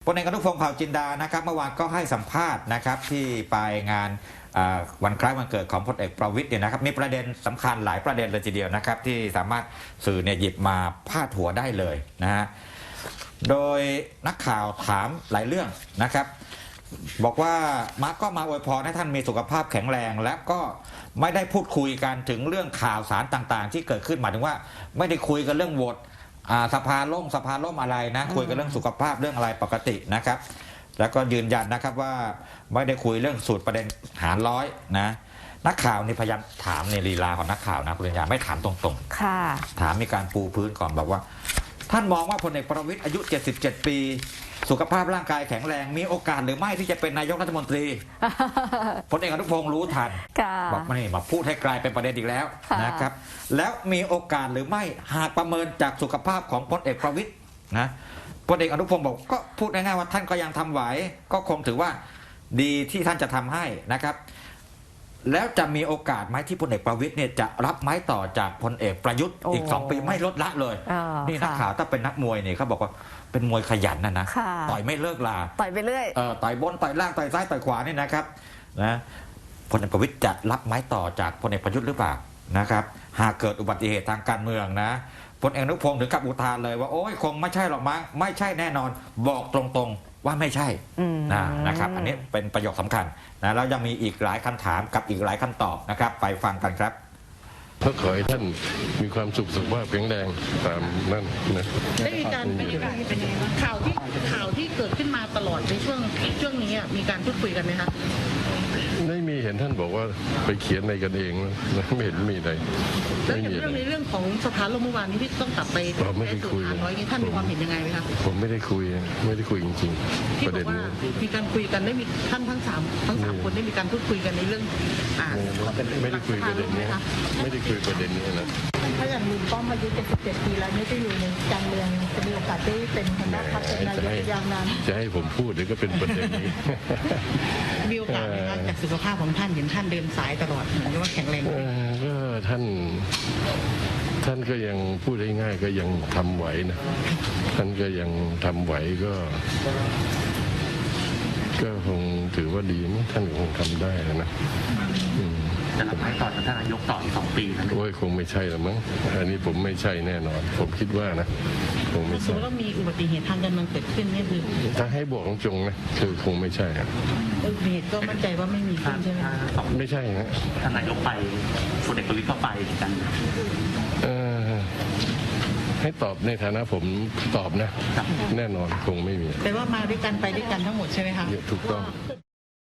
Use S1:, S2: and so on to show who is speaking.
S1: ลเอกอนุพงศ์เผ่าจินดานะครับเมื่อวานก็ให้สัมภาษณ์นะครับที่ไปงานวันคล้ายวันเกิดของพลเอกประวิตรเนี่ยนะครับมีประเด็นสำคัญหลายประเด็นเลยทีเดียวนะครับที่สามารถสื่อเนี่ยหยิบมาพาดหัวได้เลยนะฮะโดยนักข่าวถามหลายเรื่องนะครับบอกว่ามาร์กก็มาอวยพรให้ท่านมีสุขภาพแข็งแรงและก็ไม่ได้พูดคุยกันถึงเรื่องข่าวสารต่างๆที่เกิดขึ้นหมายถึงว่าไม่ได้คุยกันเรื่องโหวตสภาล่มอะไรนะคุยกันเรื่องสุขภาพเรื่องอะไรปกตินะครับแล้วก็ยืนยันนะครับว่าไม่ได้คุยเรื่องสูตรประเด็นหารร้อยนะนักข่าวนี่พยายามถามในลีลาของนักข่าวนะคุณปัญญาไม่ถามตรงๆค่ะถามมีการปูพื้นก่อนบอกว่าท่านมองว่าพลเอกประวิตรอายุ77ปีสุขภาพร่างกายแข็งแรงมีโอกาสหรือไม่ที่จะเป็นนายกรัฐมนตรีพลเอกอนุพงศ์รู้ทันบอกไม่มาพูดให้กลายเป็นประเด็นอีกแล้วนะครับแล้วมีโอกาสหรือไม่หากประเมินจากสุขภาพของพลเอกประวิตรนะพลเอกอนุพงศ์บอกก็พูดง่ายๆว่าท่านก็ยังทำไหวก็คงถือว่าดีที่ท่านจะทำให้นะครับแล้วจะมีโอกาสไหมที่พลเอกประวิตรเนี่ยจะรับไม้ต่อจากพลเอกประยุทธ์อีก2 ปีไม่ลดละเลยนี่นักข่าวถ้าเป็นนักมวยเนี่ยเขาบอกว่าเป็นมวยขยันนะต่อยไม่เลิกลา
S2: ต่อยไปเรื่อย
S1: ต่อยบนต่อยล่างต่อยซ้ายต่อยขวานี่นะครับนะพลเอกประวิตรจะรับไม้ต่อจากพลเอกประยุทธ์หรือเปล่านะครับหากเกิดอุบัติเหตุทางการเมืองนะพลเอกอนุพงศ์ถึงกับอุทานเลยว่าโอ้ยคงไม่ใช่หรอกมั้งไม่ใช่แน่นอนบอกตรงๆว่าไม่ใช่นะครับอันนี้เป็นประโยคสำคัญนะแล้วยังมีอีกหลายคำถามกับอีกหลายคำตอบนะครับไปฟังกันครับ
S3: ก็ขอให้ท่านมีความสุขภาพแข็งแรงตามนั่นนะ
S4: ได้มีการเป็นยังไงบ้างข่าวที่เกิดขึ้นมาตลอดในช่วงนี้มีการพูดคุยกันไหมคะ
S3: ไม่มีเห็นท่านบอกว่าไปเขียนในกันเองนะไม่เห็นมีอะไร
S4: แล้วอย่างเรื่องของสภาล่มเมื่อวานนี้ที่ต้องกลับไป
S3: ไม่ได้คุย
S4: ท่านมีความเห็นยังไงไหมคะ
S3: ผมไม่ได้คุยจริงๆประเด็นนี้
S4: มีการคุยกันได้มีท่านทั้งสามคนได้มีการพูดคุยกันในเรื่อง
S3: ไม่ได้คุยประเด็นนี้ไม่ได้คุยประเด็นนี้นะ
S5: ถ้าอย่างลุงป้อมอายุ77 ปีแล้วไม่ได้อยู่ในการเมืองจะมีโอกาสได้เป็นหัวหน้าพรรคเป็นนายกอย่างนั้น
S3: จะให้ผมพูดหรือก็เป็นประเด็นนี้
S4: มีโอกาสจากสุขภาพของท่านเห็นท่านเดินสายตลอดเหมือนว่าแข็งแรง
S3: ก็ท่านก็ยังพูดง่ายๆก็ยังทำไหวนะท่านก็ยังทำไหวก็คงถือว่าดีมั้ยท่านคงทำได้นะ
S6: จะรับไม้ต่อจากท่านนายกต่ออีก2 ปีนะ
S3: โอ้ยคงไม่ใช่หรอกมั้งอันนี้ผมไม่ใช่แน่นอนผมคิดว่านะคงไม่ใช่
S4: ถ้ามีอุบัติเหตุทางการเมืองเกิดขึ้นนี่คือ
S3: ถ้าให้บอกจงนะคือคงไม่ใช่ครับ
S4: อุบัติเหตุก็มั่นใจว่าไม่มีขึ้นใช่ไหม
S3: ไม่ใช่ฮะ
S6: ท่านนายกไปพลเอกประวิตรก็ไปกัน
S3: ให้ตอบในฐานะผมตอบนะแน่นอนคงไม่มี
S4: แต่ว่ามาด้วยกันไปด้วยกันทั้งหมดใช่ไหมคะ
S3: ถูกต้อง